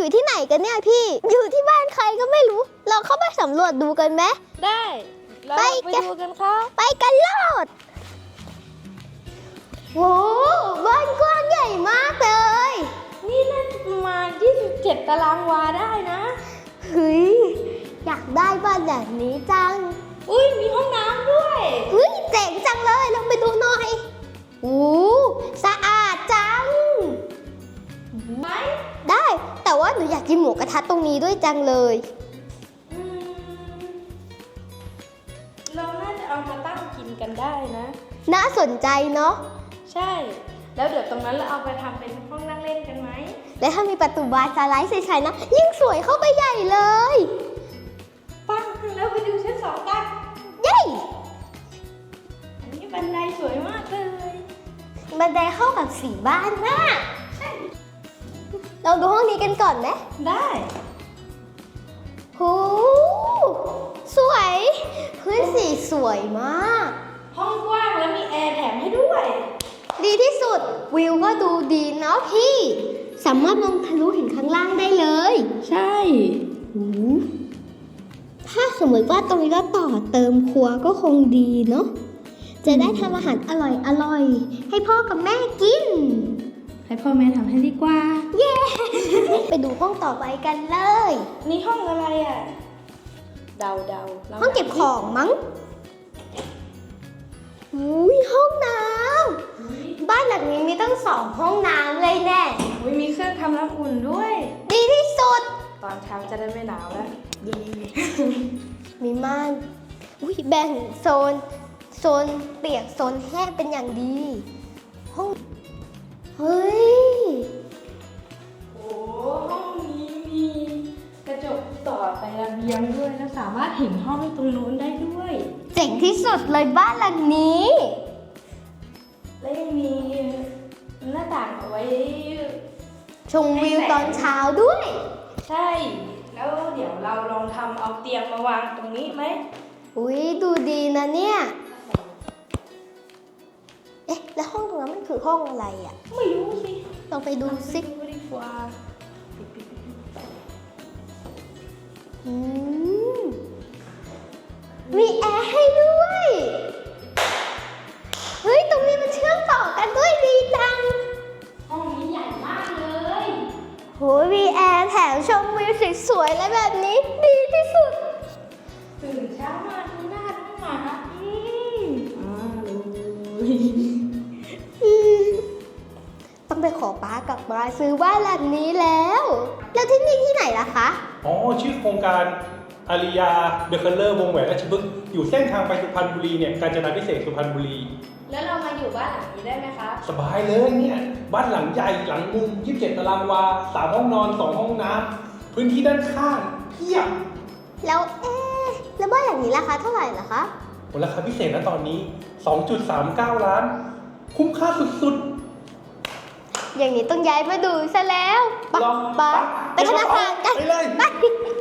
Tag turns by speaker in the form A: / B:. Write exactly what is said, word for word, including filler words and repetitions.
A: อยู่ที่ไหนกันเนี่ยพี่อยู่ที่บ้านใครก็ไม่รู้เราเข้าไปสำรวจดูกันไหม
B: ได้เราไปดูกันครับ
A: ไปกันโลดโอ้บ้านกว้างใหญ่มากเลย
B: นี่น่าจะประมาณยี่สิบเจ็ดตารางวาได้นะ
A: เฮ้ยอยากได้บ้านแบบนี้จัง
B: อุ้ยมีห้องน้ำด้วย
A: เฮ้ยเจ๋งจังเลยลองไปดูหน่อยโอ้สะอาดจัง
B: ไหม
A: ได้แต่ว่าหนูอยากกินหมูกระทะตรงนี้ด้วยจังเลย
B: เราน่าจะเอามาตั้งกินกันได้นะ
A: น่าสนใจเนาะ
B: ใช่แล้วเดี๋ยวตรงนั้นเราเอาไปทำเป็นห้องนั่งเล่นกันไหม
A: และถ้ามีประตูบานสไลด์ใสๆนะยิ่งสวยเข้าไปใหญ่เลย
B: ปังแล้วไปดูชั้นสองกัน
A: เย้
B: อันนี้บันไดสวยมากเลย
A: บันไดเข้ากับสีบ้านมาก
B: ใช่
A: เราดูห้องนี้กันก่อนไหม
B: ได้
A: โหสวยพื้นสีสวยมาก
B: ห้องกว้างแล้วมีแอร์แถมให้ด้วย
A: ดีที่สุดวิวก็ดูดีเนาะพี่สามารถมองทะลุเห็นข้างล่างได้เลย
B: ใช่
A: ถ้าสมมติว่าตรงนี้ก็ต่อเติมครัวก็คงดีเนาะจะได้ทำอาหารอร่อยอร่อยให้พ่อกับแม่กิน
B: ให้พ่อแม่ทำให้ดีกว่า
A: เย้ ไปดูห้องต่อไปกันเลย
B: นี่ห้องอะไรอ่ะเดาเดา
A: ห้องเก็บของมั้งอุ้ยห้องน้ำบ้านหลังนี้มีตั้งสองห้องน้ำเลยแน่
B: อุ้ยมีเครื่องทำน้ำอุ่นด้วย
A: ดีที่สุด
B: ตอนเช้าจะได้ไม่หนาวแล้วดี
A: มีม่านอุ้ยแบ่งโซนโซนเปียกโซนแห้งเป็นอย่างดีห้องเฮ้ย
B: โอ้ห้องนี้มีกระจกต่อไประเบียงด้วยแล้วสามารถเห็นห้องตรงนู้นได้ด้วย
A: เจ๋งที่สุดเลยบ้านหลังนี้
B: และยังมีหน้าต่างเอาไว้
A: ชมวิวตอนเช้าด้วย
B: ใช่แล้วเดี๋ยวเราลองทำเอาเตียงมาวางตรงนี้ไหม
A: อุ้ยดูดีนะเนี่ยเอ๊ะแล้วห้องตรงนั้นมันคือห้องอะไรอ่ะ
B: ไม่รู้สิ
A: ลองไปดูสิ
B: ดีกว่า
A: อืมมีแอร์ให้ด้วยเฮ้ยตรงนี้มันเชื่อมต่อกันด้วยดีจัง
B: ห้องนี้ใหญ่มากเลย
A: โหมีแอร์แถมชมวิวสวยๆและแบบนี้ดีที่สุด
B: ตื่นเช้ามาที่หน้าท้องหมาอืมอ้าว
A: ต้องไปขอป้ากลับมาซื้อบ้านหลังนี้แล้วแล้วที่นี่ที่ไหนล่ะคะ
C: อ๋อชื่อโครงการอาริยาเดอะคัลเลอร์วงแหวนราชพฤกษ์อยู่เส้นทางไปสุพรรณบุรีเนี่ยกาญจนาพิเศษสุพรรณบุรี
B: แล้วเรามาอยู่บ้านหลังนี้ได้ไหมคะ
C: สบายเลยเนี่ยบ้านหลังใหญ่หลังมุมยี่สิบเจ็ดตารางวาสามห้องนอนสองห้องน้ำพื้นที่ด้านข้างเพียบ
A: แล้วเอ๊ะแล้วบ้านหลังนี้ราคาเท่าไหร่ล่ะคะ
C: ราคาพิเศษนะตอนนี้ สองจุดสามเก้า ล้านคุ้มค่าสุด
A: ๆอย่างนี้ต้องย้ายมาดูซะแล้ว
C: ไปไป
A: ไปธนาคารกัน
C: ไปเลย
A: ไป